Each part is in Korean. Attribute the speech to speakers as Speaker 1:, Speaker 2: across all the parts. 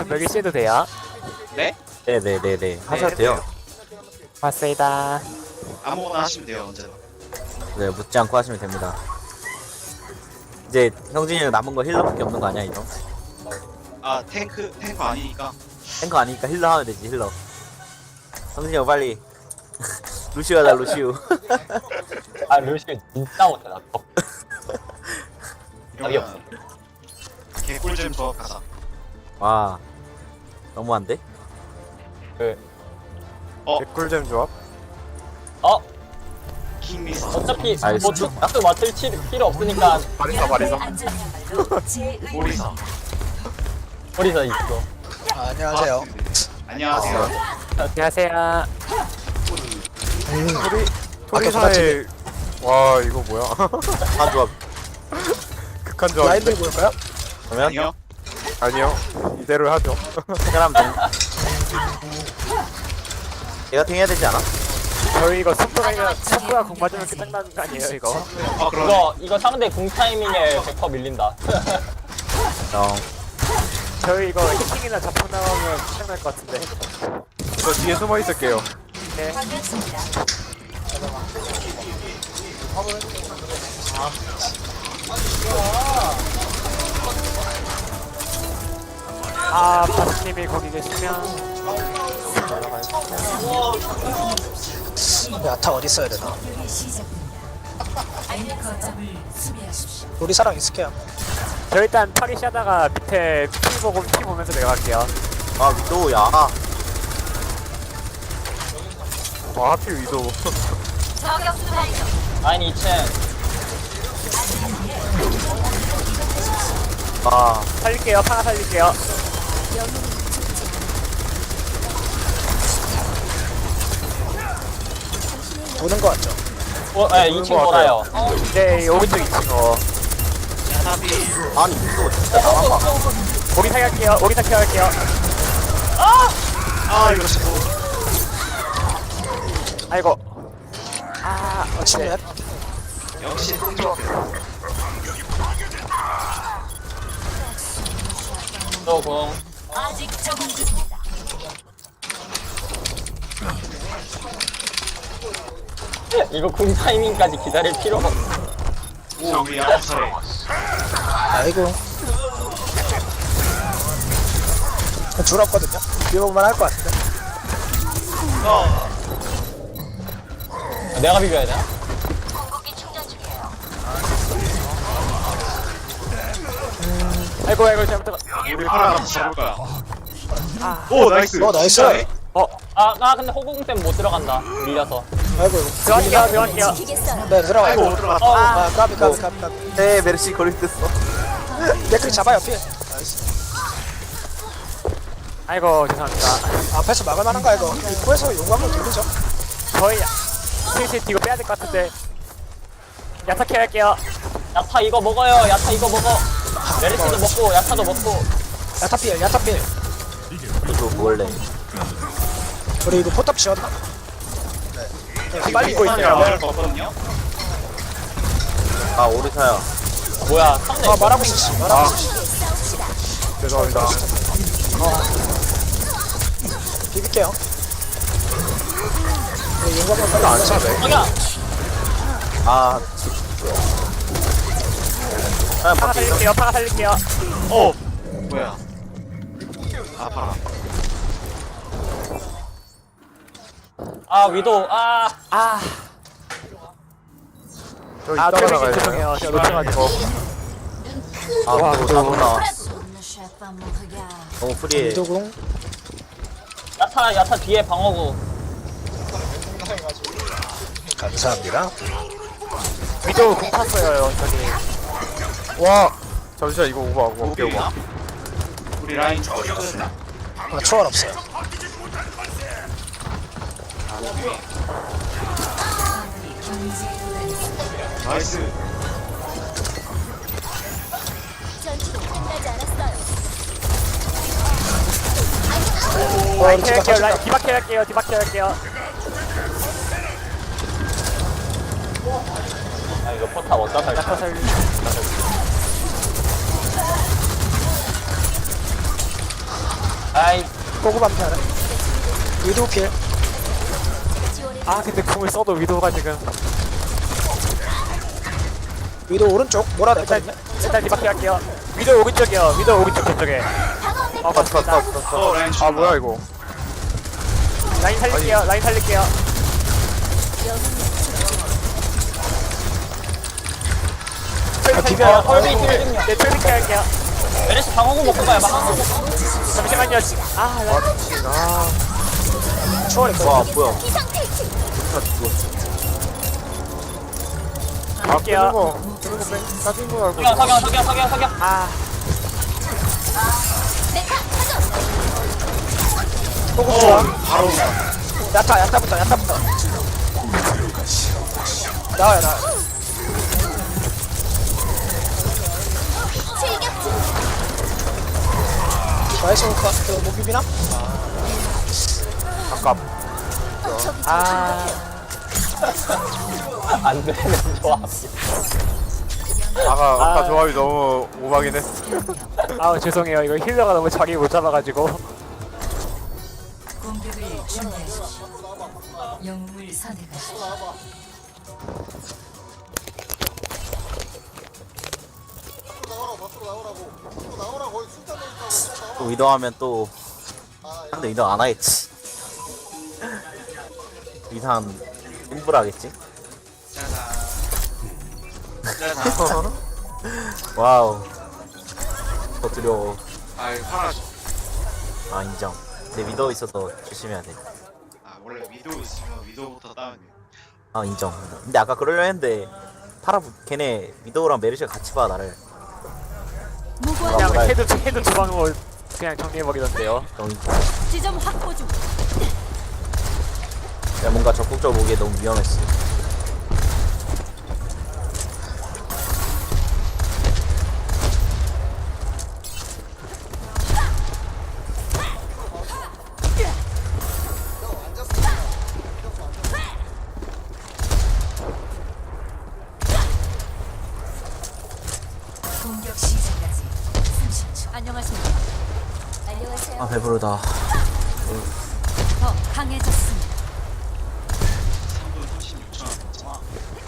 Speaker 1: 여기 씨도 돼요?
Speaker 2: 네?
Speaker 3: 네네네네 하셔도 돼요.
Speaker 1: 맞습니다.
Speaker 2: 아무거나 하시면 돼요 언제나.
Speaker 3: 네 묻지 않고 하시면 됩니다. 이제 형진이는 남은 거 힐러밖에 없는 거 아니야 이거?
Speaker 2: 아 탱크 아니니까.
Speaker 3: 탱커 아니니까 힐러 하면 되지 힐러. 형진이 형 빨리 루시오 하자 루시오.
Speaker 4: 아 루시오 진짜 못해 나. 답이 없어.
Speaker 2: 개꿀잼 조합 가자.
Speaker 3: 와 너무한데?
Speaker 1: 개꿀잼 조합?
Speaker 4: 어
Speaker 2: 킹미스.
Speaker 4: 어차피
Speaker 3: 아이,
Speaker 4: 뭐
Speaker 3: 진짜?
Speaker 4: 툭툭 맞을 필요 없으니까
Speaker 2: 오리사.
Speaker 4: 우리서 있어.
Speaker 5: 안녕하세요.
Speaker 2: 안녕하세요.
Speaker 1: 안녕하세요.
Speaker 6: 토리사의 와 이거 뭐야
Speaker 3: 한 조합.
Speaker 6: 극한 조합
Speaker 5: 라인들 볼까요?
Speaker 3: 그러면
Speaker 2: 아니요.
Speaker 6: 아니요 이대로 하죠.
Speaker 3: 생각하면 돼. 얘가 탱해야 되지 않아?
Speaker 1: 저희 이거 선수가 공 맞으면 끝장나는 거 아니에요 이거?
Speaker 2: 아 그럼.
Speaker 4: 이거 상대 궁 타이밍에 100% 밀린다.
Speaker 3: 형
Speaker 1: 저희 이거 히팅이나 자폭 나오면 끝장날 것 같은데.
Speaker 6: 저 뒤에 숨어 있을게요.
Speaker 1: 네. 아, 바스님이 거기 계시면
Speaker 5: 야타 어디 있어야 되나? 우리 사랑 있을게요.
Speaker 1: 저 일단 파리시 하다가 밑에 피 보면서 내려갈게요.
Speaker 3: 아 위도우야.
Speaker 6: 와 하필 위도.
Speaker 4: 라인 2층.
Speaker 3: 아
Speaker 1: 살릴게요. 파라 살릴게요.
Speaker 5: 도는 거 같죠?
Speaker 4: 네 2층 돌아요.
Speaker 1: 이제 오른쪽 2층
Speaker 3: 아니 위도우 진짜 나와봐.
Speaker 1: 오리 살릴게요. 오리 살릴게요.
Speaker 2: 아 이거 진짜.
Speaker 1: 아이고.
Speaker 5: 침례.
Speaker 2: 역시 탱조합.
Speaker 4: 또 궁. 이거 궁 타이밍까지 기다릴 필요가 없어.
Speaker 2: 오 우리 아웃사래.
Speaker 5: 아이고. 줄 없거든요. 비벼보면 할 것 같은데.
Speaker 4: 내가 비벼야 되나?
Speaker 1: 아이고 잘못했다.
Speaker 2: 우리 파라 같이 잡을 거야. 오 나이스.
Speaker 5: 나이스.
Speaker 4: 나 근데 호구궁 때문에 못 들어간다. 밀려서.
Speaker 5: 아이고.
Speaker 1: 들어갈게요.
Speaker 5: 네 들어가요.
Speaker 2: 아이고 들어갔다.
Speaker 5: 아 까비.
Speaker 3: 네 메르시 거리 됐어.
Speaker 5: 댓글 잡아요 필. 나이스.
Speaker 1: 아이고 죄송합니다.
Speaker 5: 앞에서 막을 만한가 이거. 입구에서 용광로 돌리죠.
Speaker 1: 저희 슬슬 뒤로 빼야 될 것 같은데. 야타케 할게요.
Speaker 4: 야타 이거 먹어요. 야타 이거 먹어. 메르시도 먹고 야타도 먹고.
Speaker 5: 야타 필.
Speaker 3: 이거 먹을래.
Speaker 5: 우리 이거 포탑 지었나? 네. 빨리
Speaker 1: 믿고 있어요.
Speaker 2: 말할 거 없거든요.
Speaker 3: 아 오리사야.
Speaker 4: 뭐야? 상대
Speaker 5: 말하고 있었어.
Speaker 6: 죄송합니다.
Speaker 5: 비빌게요. 네, 용광로 빨리 안 해서 돼.
Speaker 4: 아니야.
Speaker 3: 아
Speaker 1: 파라
Speaker 3: 그냥 밖에 있어.
Speaker 1: 살릴게요. 파라 살릴게요.
Speaker 2: 오 뭐야? 아 파라.
Speaker 4: 위도.
Speaker 6: 저 이따가
Speaker 1: 트레이닝
Speaker 6: 나가야 돼요.
Speaker 1: 죄송해요. 제가 놓쳐가지고.
Speaker 3: 아 너무 나와. 너무 프리해.
Speaker 5: 이도궁.
Speaker 4: 야타 뒤에 방어구.
Speaker 5: 감사합니다.
Speaker 1: 위도 공 탔어요 저기.
Speaker 6: 와 잠시만 이거 오버
Speaker 2: 우리
Speaker 6: 오버.
Speaker 2: 우리 라인 죽었다.
Speaker 5: 초월 없어요.
Speaker 2: 나이스.
Speaker 1: 라인 캐할게요. 라인 디바케 할게요. 디바케 할게요.
Speaker 4: 이거 포탑 어디다 살까?
Speaker 1: 야타 살리.
Speaker 4: 아이
Speaker 5: 보고 반피 하나. 위도 필.
Speaker 1: 아 근데 궁을 써도 위도가 지금
Speaker 5: 위도 오른쪽 몰아냈거든요.
Speaker 1: 일단 뒤바퀴 할게요. 위도 오른쪽이요. 위도 오른쪽 저쪽에. 맞습니다.
Speaker 2: 라인
Speaker 6: 아
Speaker 2: 준다.
Speaker 6: 뭐야 이거.
Speaker 1: 라인 살릴게요. 라인 살릴게요.
Speaker 5: 비벼요.
Speaker 4: 헐비 힐좀요.
Speaker 1: 네, 트래픽 할게요.
Speaker 4: 메르시 방어구 먹고 가요 방어구.
Speaker 1: 잠시만요. 아, 라인.
Speaker 5: 초월했거든요.
Speaker 3: 와 뭐야
Speaker 1: 갈게요.
Speaker 6: 뜨는 거 따진 거 알고.
Speaker 4: 석양.
Speaker 1: 아,
Speaker 5: 보고 좋아.
Speaker 2: 바로
Speaker 5: 야타부터. 나와요. 나이스 오카. 못 비비나?
Speaker 1: 아,
Speaker 4: 안 되는 조합.
Speaker 6: 아까 조합이 너무 오바긴 했어.
Speaker 1: 아우 죄송해요. 이거 힐러가 너무 자리 못 잡아가지고.
Speaker 7: 공격을 준비하십시오. 영웅을 선택하십시오.
Speaker 3: 또 위도하면 또 상대 위도 안 하겠지 이상 인불하겠지
Speaker 2: 짜잔.
Speaker 3: 와우 더 두려워
Speaker 2: 아이 파라죠.
Speaker 3: 아 인정 근데 위도 있어서 조심해야 돼아
Speaker 2: 아 원래 위도우 있으면 위도우부터 다운이에요.
Speaker 3: 인정 근데 아까 그러려 했는데 걔네 위도우랑 메르시가 같이 봐 나를
Speaker 1: 그냥 헤드 두 방울 그냥 정리해버리던데요.
Speaker 7: 지점 확보 중.
Speaker 3: 야 뭔가 적극적으로 보기에 너무 위험했어
Speaker 7: 공격 시작까지 30초. 안녕하십니까. 안녕하세요.
Speaker 3: 아 배부르다
Speaker 7: 더 강해졌습니다.
Speaker 2: 3분 36초.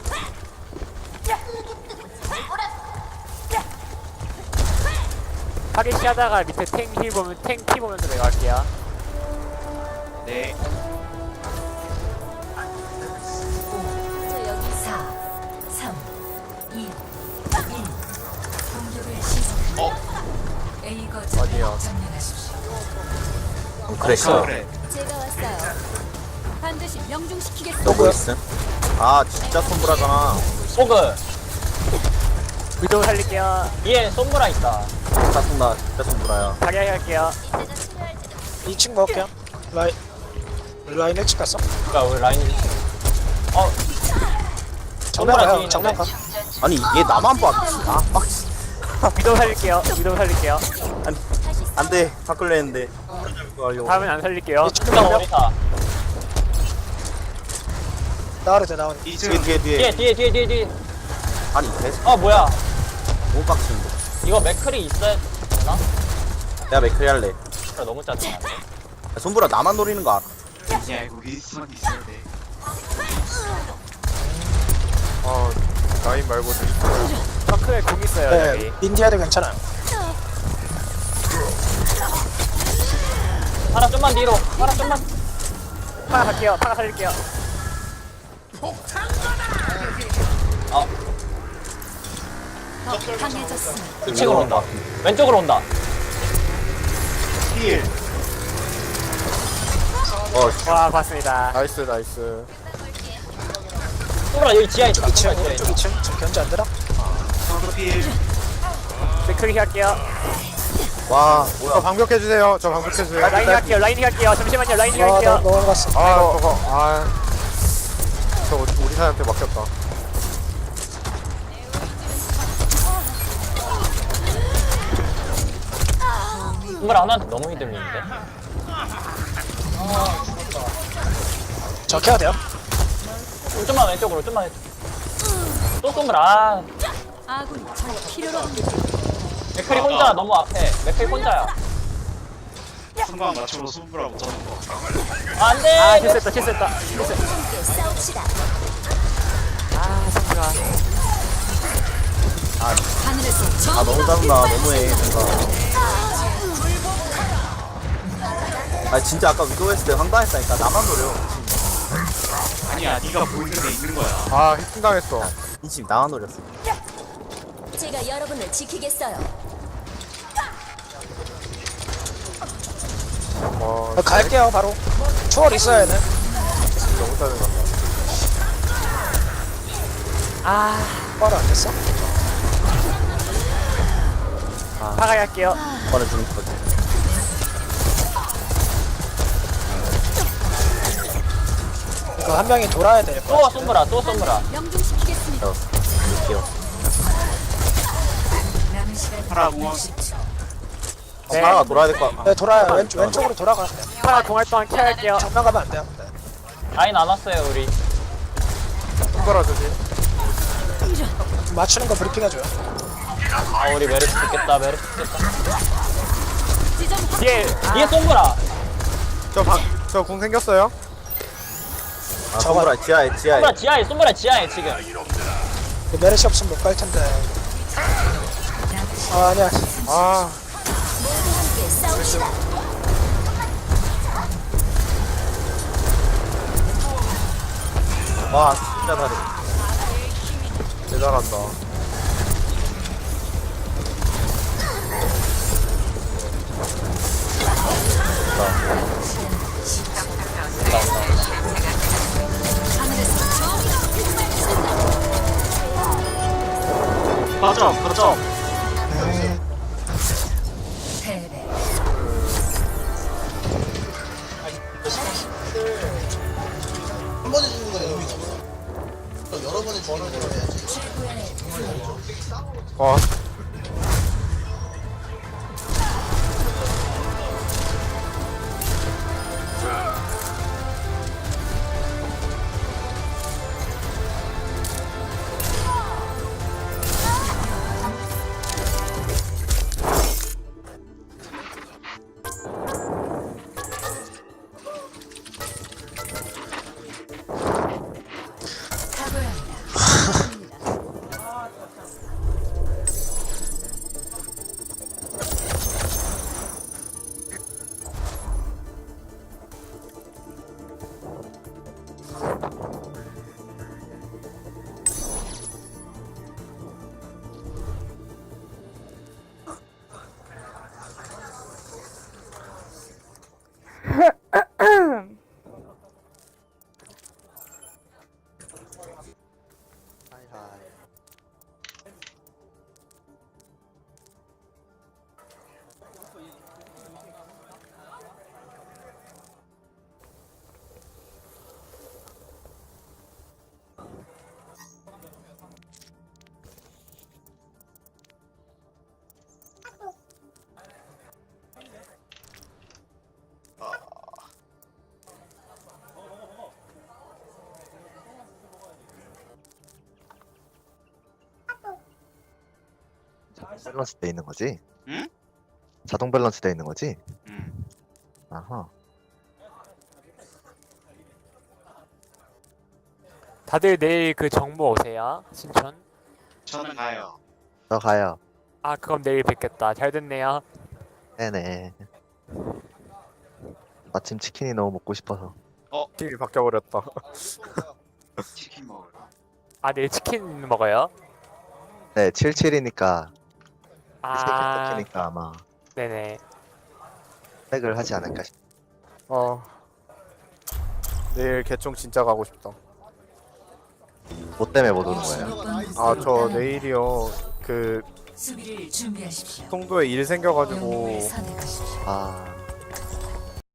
Speaker 1: 타겟시 하다가 밑에 탱 보면 탱 키 보면서 내가 할게요.
Speaker 2: 네.
Speaker 7: 저 여기 4, 3, 2, 1. 공격을 시작합니다. A 거점을 점령하십시오.
Speaker 3: 그랬어
Speaker 2: 그래.
Speaker 7: 제가 왔어요. 반드시 명중시키겠습니다.
Speaker 3: 너 뭐 있음? 아 진짜 손불하잖아
Speaker 4: 소그
Speaker 1: 위도 살릴게요.
Speaker 4: 뒤에 솜브라 있다.
Speaker 3: 진짜 손불아야
Speaker 1: 자기 할게요.
Speaker 5: 2층 먹을게요. 라인 1층 갔어?
Speaker 4: 그러니까 우리 라인이
Speaker 5: 정면
Speaker 4: 뒤에
Speaker 5: 가요.
Speaker 4: 있는데?
Speaker 5: 정면 가.
Speaker 3: 아니 얘 나만 봐 아, 빡치
Speaker 1: 위도 살릴게요. 위도 살릴게요.
Speaker 3: 안돼 바꿀려 했는데
Speaker 1: 다음엔 안 살릴게요.
Speaker 4: 수정 오리사.
Speaker 5: 나와도 돼.
Speaker 2: 2층
Speaker 4: 뒤에.
Speaker 3: 아니 계속
Speaker 4: 뭐야?
Speaker 3: 너무 빡치는데
Speaker 4: 이거 맥클이 있어야 되나?
Speaker 3: 내가 맥크리 할래
Speaker 4: 그래, 너무 짜증나.
Speaker 3: 야, 손불아 나만 노리는 거 알아
Speaker 2: 야 이거 윈스턴 있어야 돼.
Speaker 6: 라인 말고 있어요.
Speaker 1: 덩크에 공 있어요.
Speaker 5: 네,
Speaker 1: 여기.
Speaker 5: 민디아도 괜찮아요.
Speaker 4: 파라 좀만 뒤로. 파라 좀만.
Speaker 1: 파라 갈게요. 파라 살릴게요.
Speaker 7: 더 강해졌습니다.
Speaker 4: 2층으로 온다. 왼쪽으로 온다.
Speaker 2: 힐.
Speaker 1: 와 봤습니다.
Speaker 6: 나이스.
Speaker 4: 솜브라 여기 지하에 있다.
Speaker 5: 2층
Speaker 4: 솜브라 지하에
Speaker 5: 오른쪽
Speaker 4: 있다.
Speaker 5: 2층. 지금 견제 안 되나?
Speaker 2: 서로 필.
Speaker 1: 맥크리 할게요.
Speaker 3: 와
Speaker 6: 저 방벽해주세요. 저 방벽해주세요.
Speaker 1: 라인이 할게요. 라인이 할게요. 잠시만요. 라인이
Speaker 5: 아,
Speaker 1: 할게요.
Speaker 5: 넘어갔어.
Speaker 6: 저 우리 사람한테 맡겼다.
Speaker 4: 솜브라 하나한테 너무 휘둘리는데.
Speaker 5: 저 켜야 돼요.
Speaker 4: 좀만 왼쪽으로. 좀만 왼쪽. 또 솜브라.
Speaker 7: 아군이 절 필요로 합니다.
Speaker 4: 맥클이 혼자 너무 앞에. 맥클이 혼자야.
Speaker 2: 상관 맞추고 승부라고 저는 거.
Speaker 4: 안돼.
Speaker 1: 아 실수했다.
Speaker 7: 함께 싸웁시다.
Speaker 1: 아 성가.
Speaker 7: 하늘에서 저
Speaker 3: 너무 짜증나. 너무해 뭔가. 아 진짜 아까 위도 했을 때 황당했다니까. 나만 노려.
Speaker 2: 아니야, 네가 보이는 데 있는 거야.
Speaker 6: 아 해킹당했어.
Speaker 3: 인심 나만 노렸어.
Speaker 7: 제가 여러분을 지키겠어요.
Speaker 5: 갈게요 바로. 초월 있어야 돼.
Speaker 6: 너무 짜증난다.
Speaker 5: 바로 안 됐어?
Speaker 1: 파가야 할게요.
Speaker 3: 이번에 죽을 거지.
Speaker 5: 이거 한 명이 돌아야 될 거야.
Speaker 4: 또 쏜브라 또 쏜브라.
Speaker 7: 명중시키겠습니다.
Speaker 3: 이렇게요.
Speaker 7: 남은 시간
Speaker 2: 파라 공원.
Speaker 1: 네.
Speaker 3: 파라가 돌아야 될 거.
Speaker 5: 네, 돌아요. 왼쪽으로 돌아가야 돼.
Speaker 1: 파가 공할 동안 케어 할게요.
Speaker 5: 정면 가면 안 돼요.
Speaker 4: 라인 안 왔어요 우리.
Speaker 6: 손가락 조심.
Speaker 5: 맞추는 거 브리핑 해줘요.
Speaker 4: 아 우리 메르시 죽겠다 메르시 죽겠다.
Speaker 1: 뒤에
Speaker 4: 뒤에 쏜브라.
Speaker 6: 저궁 생겼어요?
Speaker 3: 아 손보라 지하에.
Speaker 4: 쏜브라 지하에 쏜브라 지하에 지금.
Speaker 5: 그 메르시 없으면 못 갈 텐데. 아 아니야.
Speaker 6: 아
Speaker 7: 함께 싸웁시다.
Speaker 3: 와 진짜 잘해.
Speaker 6: 대단한다.
Speaker 2: 맞아.
Speaker 7: 패배.
Speaker 6: 어.
Speaker 8: 밸런스 돼 있는 거지?
Speaker 2: 응?
Speaker 8: 자동 밸런스 돼 있는 거지?
Speaker 2: 응.
Speaker 8: 아하.
Speaker 1: 다들 내일 그 정보 오세요. 신촌.
Speaker 2: 저는 가요.
Speaker 8: 저 가요.
Speaker 1: 아 그럼 내일 뵙겠다. 잘 됐네요.
Speaker 8: 네네. 마침 치킨이 너무 먹고 싶어서.
Speaker 6: 팀이 바뀌어버렸다.
Speaker 2: 치킨 먹을까?
Speaker 1: 아 내일 치킨 먹어요?
Speaker 8: 네, 77이니까
Speaker 1: 아
Speaker 8: 세개니까 아마
Speaker 1: 네네.
Speaker 8: 획을 하지 않을까 싶.
Speaker 6: 내일 개총 진짜 가고 싶다.
Speaker 8: 뭐 때문에 못 오는 거예요?
Speaker 6: 아 저 내일이요. 그
Speaker 7: 수비를 준비하십시오.
Speaker 6: 송도에 일 생겨가지고
Speaker 7: 영웅을 선택하십시오.
Speaker 8: 아